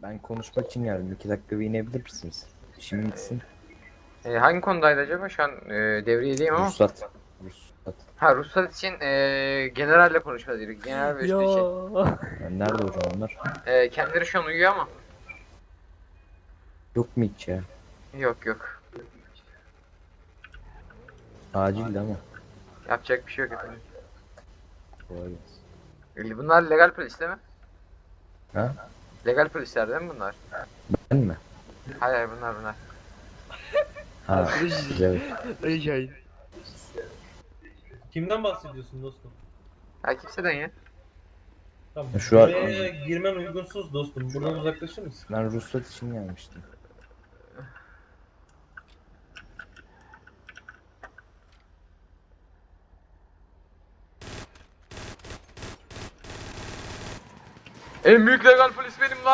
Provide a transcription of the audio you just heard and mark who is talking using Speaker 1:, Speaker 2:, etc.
Speaker 1: Ben konuşmak için geldim. 2 dakika bir inebilir misiniz? İşim bitsin.
Speaker 2: Hangi konudaydı acaba? Şu an devriyedeyim ama.
Speaker 1: Ruhsat. Ruhsat.
Speaker 2: Ha, ruhsat için generalle konuşmalıydık. General ve üstü için.
Speaker 3: Yo.
Speaker 1: Yani nerede hocam onlar?
Speaker 2: Kendileri şu an uyuyor ama.
Speaker 1: Yok mu hiç ya?
Speaker 2: Yok yok.
Speaker 1: Acildi ama.
Speaker 2: Yapacak bir şey yok efendim.
Speaker 1: Kolay gelsin.
Speaker 2: Bunlar legal polis değil mi?
Speaker 1: Ha?
Speaker 2: Legal polisler değil mi bunlar?
Speaker 1: Ben mi?
Speaker 2: Hayır hayır, bunlar.
Speaker 1: Ha. Güzel.
Speaker 3: Rica
Speaker 4: Kimden bahsediyorsun dostum?
Speaker 2: Ha, kimseden ya.
Speaker 4: Tamam.
Speaker 1: Şu an-
Speaker 4: Buraya girmen uygunsuz dostum. Buradan uzaklaşır mısın?
Speaker 1: Ben ruhsat için gelmiştim.
Speaker 2: En büyük legal polis benim lan.